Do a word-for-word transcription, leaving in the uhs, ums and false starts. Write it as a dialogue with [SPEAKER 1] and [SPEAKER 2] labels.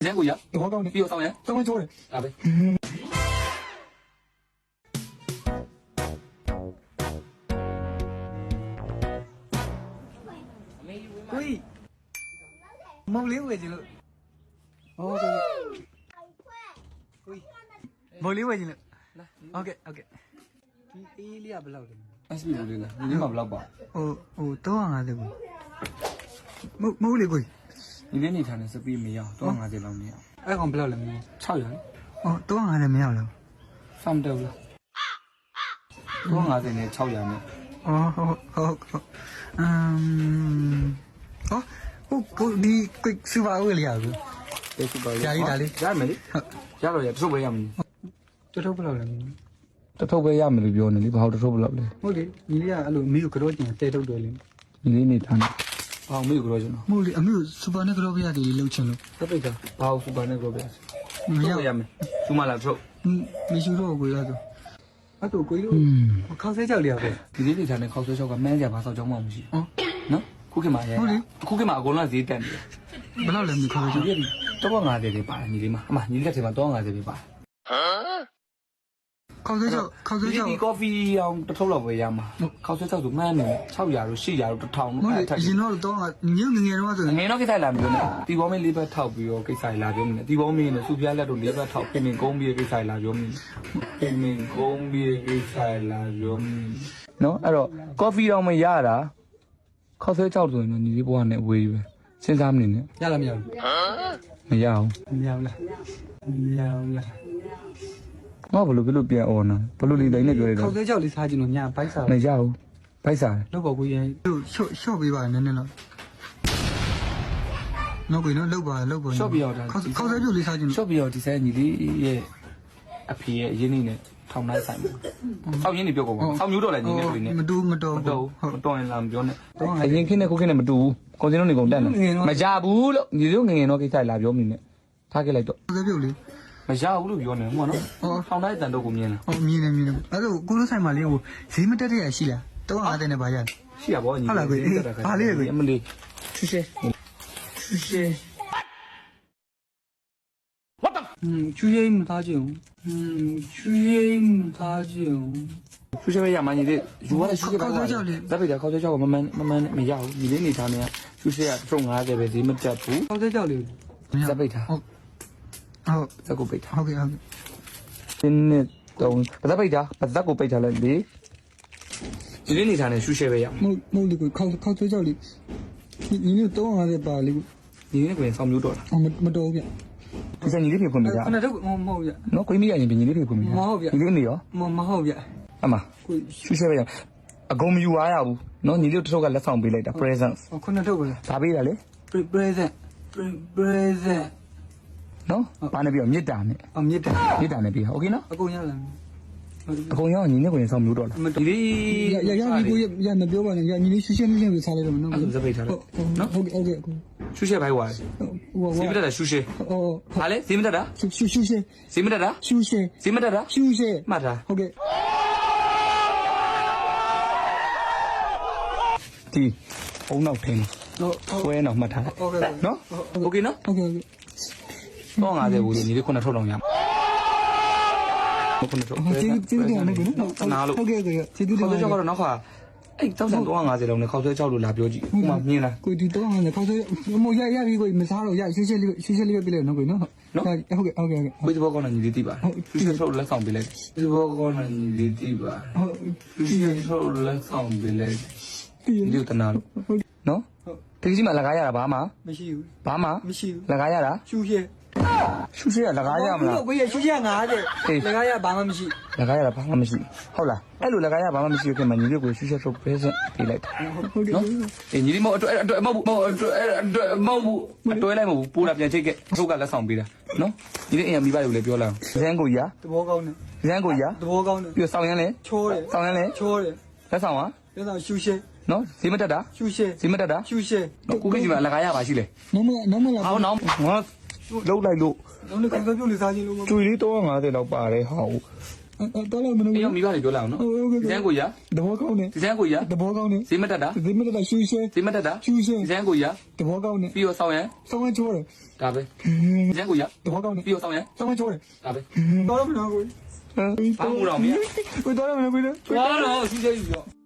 [SPEAKER 1] 先过去，
[SPEAKER 2] 我告诉你，
[SPEAKER 1] 比我上人，
[SPEAKER 2] 这么做的。
[SPEAKER 1] 啊呗。
[SPEAKER 2] 喂，冇理回去了。哦，对对。喂，冇理回去了。OK OK。ဒီအေးလေးကဘယ်လောက်လဲ
[SPEAKER 1] S P လို့လေ။ဒီမှာဘယ်လောက်ပါ
[SPEAKER 2] ဟိုဟိုတော့ငါးတယ်ကိုမမဟုတ်လေကို
[SPEAKER 1] ။ဒီနေ့နေထိုင်တဲ့စပီးမရအောင်တော့၅၀လောက်နေအောင်
[SPEAKER 2] အဲ့ကောင်ဘယ်လောက်လဲမင်း
[SPEAKER 1] ။၆ရာလေ
[SPEAKER 2] ဟောတော့ငါးတယ်မရဘူး
[SPEAKER 1] ။စမ်းတယ်လား။တော့၅၀နဲ့၆ရာနဲ့
[SPEAKER 2] အော်ဟုတ်ဟုတ်ဟုတ်အမ်ဟောဟိုကိုဒီကိုစူပါဦးလေရဘူး
[SPEAKER 1] ။ဒီစပါး
[SPEAKER 2] ကြာကြီးဒါလေး
[SPEAKER 1] ရမယ်လေ။ရတော့ရတထုပ်ပဲရမယ်
[SPEAKER 2] တော်တော်ဘယ်လောက်လဲမင်း
[SPEAKER 1] ။တထုပ်ပဲရမယ်လို့ပြောနေလေ။ဘာလို့တထုပ်ဘယ်လောက်လဲ
[SPEAKER 2] ဟုတ်လေညီလေးကအဲ့လိုမီးကိုကြောကျင်တဲထုတ်တယ်လေ
[SPEAKER 1] ။ဒီနေ့နေထိုင်တယ်။ဘာမေးကြလို့ကျွန်တော်
[SPEAKER 2] မဟုတ်လေအမေစူပါနဲ့ကြောပြရတယ်လှုပ်ချင်လို့
[SPEAKER 1] ။တပိတ်ကဘာလို့စူပါနဲ့ပြောပြ။
[SPEAKER 2] မရ
[SPEAKER 1] ရမယ်။စူမလာထုတ်
[SPEAKER 2] မရှိတော့ကိုရတော့အဲ့တော့ကိုတို့ခေါက်ဆဲကြောက်လေးရပဲ
[SPEAKER 1] ။ဒီနေ့နေထိုင်တဲ့ခေါက်ဆွဲချောက်ကမန်းကြဘာဆောက်ကြောင်းမှမရှိ
[SPEAKER 2] ဟော
[SPEAKER 1] ဘူး။နော်။ခုခေတ်မှာရဲ။ခုခေတ်မှာအကုန်လုံးဈေးတက်နေတယ်
[SPEAKER 2] ဘယ်လောက်လဲမခေါက်ဆဲ
[SPEAKER 1] ။
[SPEAKER 2] ကြောက်
[SPEAKER 1] ဒီတော့၅၀တွေပါတယ်ညီလေးမအမညီလေးလက်ထဲမှာတော့၅၀တွေပါတယ်
[SPEAKER 2] ခေါက်ဆဲကြောက်ခေါက်ဆဲ
[SPEAKER 1] ဒီ
[SPEAKER 2] ကြောက်
[SPEAKER 1] ဒီကော်ဖီအောင်တစ်ထုပ်လောက်ပဲရမှာခေါက်ဆွဲချောက်ဆိုမှန်းနေ၆ရာတို့၈ရာတို့တစ်ထောင်
[SPEAKER 2] မဟုတ်လေ
[SPEAKER 1] အဲ့ထက်
[SPEAKER 2] ရင်တော့တော့ညငငယ်တော့ဆို
[SPEAKER 1] ငယ်တော့ကိစ္စလာမျိုးနဲ့တီဘောမင်းလေးဘက်ထောက်ပြီးတော့ကိစ္စလာပြောမင်းတီဘောမင်းနဲ့စူပြားလက်တို့လေးဘက်ထောက်ပြင်ပင်ကုန်းပြီးကိစ္စလာပြောမင်းပြင်ပင်ကုန်းပြီးကိစ္စလာပြောမင်းနော်အဲ့တော့ကော်ဖီတော့မရတာခေါက်ဆွဲချောက်ဆိုရင်တော့ညီလေးဘွားနဲ့အဝေးပဲစဉ်းစားမနေနဲ့
[SPEAKER 2] ရလားမရဘူး
[SPEAKER 1] မရအောင်
[SPEAKER 2] မရဘူးလားမရဘူးလား
[SPEAKER 1] ငါဘလို့ဘလို့ပြန်အော်နော်ဘလို့လေးတိုင်းနဲ့ပြောရ
[SPEAKER 2] ခေါ
[SPEAKER 1] တော့
[SPEAKER 2] က်ဆဲကြောက်လေးစားကြည့်လို့ညဘိုက်စား
[SPEAKER 1] မရဘူးဘိုက်စား
[SPEAKER 2] လောက်ပါကိုရင်ရှော့ရှော့ပေးပါနည်းနည်းတော့နော်ကိုနော်လောက်ပါလောက်ပါခေါက်ခေါက်ဆဲကြောက်လေးစားကြည့်
[SPEAKER 1] ရှော့ပြီးတော့ဒီဆိုင်ညီလေးရဲ့အဖေရဲ့ရင်းနှီးနဲ့ထောင်တိုင်းဆိုင်မှာဆောက်ရင်းနေပြောကုန်ပါဆောက်မျိုးတော့လည်းညီလေးတွေနဲ့
[SPEAKER 2] မတူမတော်
[SPEAKER 1] မတော်မတော်ရင်လာမပြောနဲ့အရင်ခင်းနဲ့ခုခင်းနဲ့မတူဘူးကွန်စင်တို့နေကုန်တက်နေမကြဘူးလို့ညီလေးငငယ်တော့ကိစ္စလာပြောမိနဲ့ထားခဲ့လိုက်တော့
[SPEAKER 2] ခေါက်ဆဲပြုတ်လေး
[SPEAKER 1] မရဘူးလို့ပြောနေမှာနော်ထောင်တိုင်းတန်တော့ကိုမြင်လား
[SPEAKER 2] ဟောမြင်နေမြင်နေအဲ့တော့ကိုလိုဆိုင်မှာလေးဟိုဈေးမတက်တဲ့ရရှိလားတော့ငါးတဲ့နဲ့ဗာရ
[SPEAKER 1] ရှိရပါဘောညီအမလေးရှူရှဲရှူရှဲ
[SPEAKER 2] 嗯，去夜没打酒，嗯，去夜没打酒。
[SPEAKER 1] ရှူရှဲပဲရမှာညီလေးယူရတဲ့ရှူရှဲပဲဇက်ပိတာခေါက်ဆွဲချောက်ကမမှန်မမှန်မရဘူးညီလေးနေထားနေရှူရှဲကထုံ၅၀ပဲဈေးမတက်ဘူး
[SPEAKER 2] 好在叫里。
[SPEAKER 1] ဇက်ပိတာ
[SPEAKER 2] 好，好，
[SPEAKER 1] ဇက်ကိုပိတ်ထား
[SPEAKER 2] OK OK。
[SPEAKER 1] ဒီနှစ်တုံးပါဇက်ပိတာပါဇက်ကိုပိတ်ထားလိုက်လေညီလေးနေထားနေရှူရှဲပဲရ
[SPEAKER 2] 冇冇那个靠靠在叫里，你你那多少在把那个？
[SPEAKER 1] ညီလေးကိုရင်ဆောင်းမျိုးတော့လား
[SPEAKER 2] 哦，没没多少遍。
[SPEAKER 1] ဒီဆိုင်ညီလေးပြေဖွင့်ပေးကြ
[SPEAKER 2] 那这个没没遍，
[SPEAKER 1] နော်ကိုမီးရရင်ညီလေးပြေဖွင့်ပေးကြညီလေးနေရော
[SPEAKER 2] 没没好遍。
[SPEAKER 1] အမရှူရှဲပဲရအကုန်မယူရရဘူးနော်ညီလေးတစ်ထုပ်ကလက်ဆောင်ပေးလိုက်တာ present
[SPEAKER 2] 哦，可能这个了。
[SPEAKER 1] ဒါပေးတာလေ
[SPEAKER 2] present present。
[SPEAKER 1] နော်ဘာနဲ့ပြောမြစ်တာနဲ့
[SPEAKER 2] 哦，没得。
[SPEAKER 1] မြစ်တာနဲ့ပေးโอเคနော်
[SPEAKER 2] အကုန်ရလား
[SPEAKER 1] အကုန်ရောညီလေးကိုရင်ဆောင်းမျိုးတော့လားဒီလေး
[SPEAKER 2] ရရရဒီကိုရမပြောပါနဲ့ရညီလေးရှင်းရှင်းလင်းလင်းပဲစားလိုက်တော့နော်
[SPEAKER 1] ဇက်ပိတ်ထားလိုက်နော်
[SPEAKER 2] ဟုတ်ကဲ့ဟုတ်ကဲ့
[SPEAKER 1] ရှူရှဲဘိုက်ဝါ
[SPEAKER 2] ဟို
[SPEAKER 1] ဈေးမတက်တာရှူရှဲ
[SPEAKER 2] ဟော
[SPEAKER 1] ဟာလေဈေးမတက်တာ
[SPEAKER 2] ရှူရှူရှူရှေ
[SPEAKER 1] ဈေးမတက်တာ
[SPEAKER 2] ရှူရှေ
[SPEAKER 1] ဈေးမတက်တာ
[SPEAKER 2] ရှူရှေ
[SPEAKER 1] မှတ်တာ
[SPEAKER 2] ဟုတ်ကဲ့
[SPEAKER 1] ဒီအုံနောက်ထင်း
[SPEAKER 2] ဟုတ်
[SPEAKER 1] ဆွဲနောက်မှတ်ထား
[SPEAKER 2] ဟုတ်ကဲ့
[SPEAKER 1] နော်โอเคနော်
[SPEAKER 2] ဟုတ်ကဲ့ဟုတ်ကဲ့
[SPEAKER 1] တော့၅၀ဘူးလေညီလေးခုနှစ်ထုပ်လောက်ရမှာခုနှစ်ထုပ်
[SPEAKER 2] ကျေးကျေးတယ်နော်ကို
[SPEAKER 1] နားလို့
[SPEAKER 2] ဟုတ်ကဲ့ဟုတ်ကဲ့ကျေးဇူးတင်
[SPEAKER 1] ခေါ
[SPEAKER 2] ပါ
[SPEAKER 1] က်ဆွဲချောက်ကတော့နောက်ခါအဲ့တောက်ဆန်တော့၅၀လောက်နဲ့ခေါက်ဆွဲချောက်လို့လာပြောကြည့်ဥမာမြင်လား
[SPEAKER 2] ကိုဒီတော့ငါလည်းခေါက်ဆွဲမရရပြီကိုမစားတော့ရရှင်းရှင်းလေးရှင်းရှင်းလေးပဲပြလိုက်နော်ကိုနော်ဟုတ်ကဲ့ဟုတ်ကဲ့ဟုတ်ကဲ့
[SPEAKER 1] ဘယ်ဘောကောင်းနေညီလေးတိပါရှူရှဲထုတ်လက်ဆောင်ပေးလိုက်ဘယ်ဘောကောင်းနေညီလေးတိပါ
[SPEAKER 2] ဟုတ်
[SPEAKER 1] ရှူရှဲထုတ်လက်ဆောင်ပေးလိုက်
[SPEAKER 2] ပြီ
[SPEAKER 1] ဒီလိုတနာလို့နော်တကယ်ကြီးမှလကားရတာဘာမှ
[SPEAKER 2] မရှိဘူး
[SPEAKER 1] ဘာမှ
[SPEAKER 2] မရှိဘူး
[SPEAKER 1] လကားရတာ
[SPEAKER 2] ရှူရှေ
[SPEAKER 1] ရှူရှဲကလကားရမလား
[SPEAKER 2] ကိုရရှူရှေငါတဲ့လည်းကရဘာမှမရှိ
[SPEAKER 1] လကားရတာဘာမှမရှိဟုတ်လားအဲ့လိုလကားရဘာမှမရှိခင်မှာညီလေးကိုရှူရှဲထုတ်ပေးစမ်းပေးလိုက်
[SPEAKER 2] ဟုတ်ကဲ့
[SPEAKER 1] နော်အေးညီလေးမဟုတ်အတွက်အတွက်မဟုတ်ဘူးမဟုတ်အတွက်အတွက်မဟုတ်ဘူးအတွဲလိုက်မဟုတ်ဘူးပိုးတာပြန်ချိတ်ခဲ့ထုတ်ကလက်ဆောင်ပေးတာနော်ညီလေးအိမ်ကမိဘတွေကိုလည်းပြောလိုက်အောင်ဇန်းကိုကြီး
[SPEAKER 2] သဘောကောင်းတယ်
[SPEAKER 1] ဇန်းကိုကြီး
[SPEAKER 2] သဘောကောင်းတယ်
[SPEAKER 1] ပြီးတော့ဆောင်းရမ်းလဲ
[SPEAKER 2] ချိုးတယ်
[SPEAKER 1] ဆောင်းရမ်းလဲ
[SPEAKER 2] ချိုးတယ်
[SPEAKER 1] လက်ဆောင်ဟာ
[SPEAKER 2] ပြန်တော့ရှူရှေ
[SPEAKER 1] နော်ဈေးမတက်တာ
[SPEAKER 2] ရှူရှေ
[SPEAKER 1] ဈေးမတက်တာ
[SPEAKER 2] ရှူရှေ
[SPEAKER 1] နော်ကိုကြီးကလကားရပါရှိလေ
[SPEAKER 2] နော်မနော်မလာ
[SPEAKER 1] ဟောနော်ငါလှုပ်လိုက်လို့
[SPEAKER 2] နော်လည်းခေါက်ဆွဲပြုတ်လေးစားခြင်းလို့
[SPEAKER 1] ကျွေလေးတော့၅၀လောက်ပါတယ်ဟာဟုတ်
[SPEAKER 2] တော်လို့မလို့
[SPEAKER 1] အေးရောမိဘတွေပြောလိုက်အောင်နော်ဒီစန်းကိုရ
[SPEAKER 2] တဘောကောင်းတယ်
[SPEAKER 1] ဒီစန်းကိုရ
[SPEAKER 2] တဘောကောင်းတယ်
[SPEAKER 1] ဈေးမတက်တာ
[SPEAKER 2] ဒီမတက်ရှူရှဲ
[SPEAKER 1] ဈေးမတက်တာ
[SPEAKER 2] ရှူရှဲ
[SPEAKER 1] ဒီစန်းကိုရ
[SPEAKER 2] တဘောကောင်းတယ်
[SPEAKER 1] ပြီးတော့ဆောင်းရန်
[SPEAKER 2] စောင်းချိုးတယ်
[SPEAKER 1] ဒါပဲဒီစန်းကိုရ
[SPEAKER 2] တဘောကောင်းတယ်
[SPEAKER 1] ပြီးတော့ဆောင်းရန်
[SPEAKER 2] စောင်းချိုးတယ်
[SPEAKER 1] ဒါပဲ
[SPEAKER 2] တော်လို့မလို့ကို
[SPEAKER 1] ဘာမှမလုပ်မရ
[SPEAKER 2] ကိုတော်လို့မလို့ကို
[SPEAKER 1] သွားတော့စီးသေးပြီပြော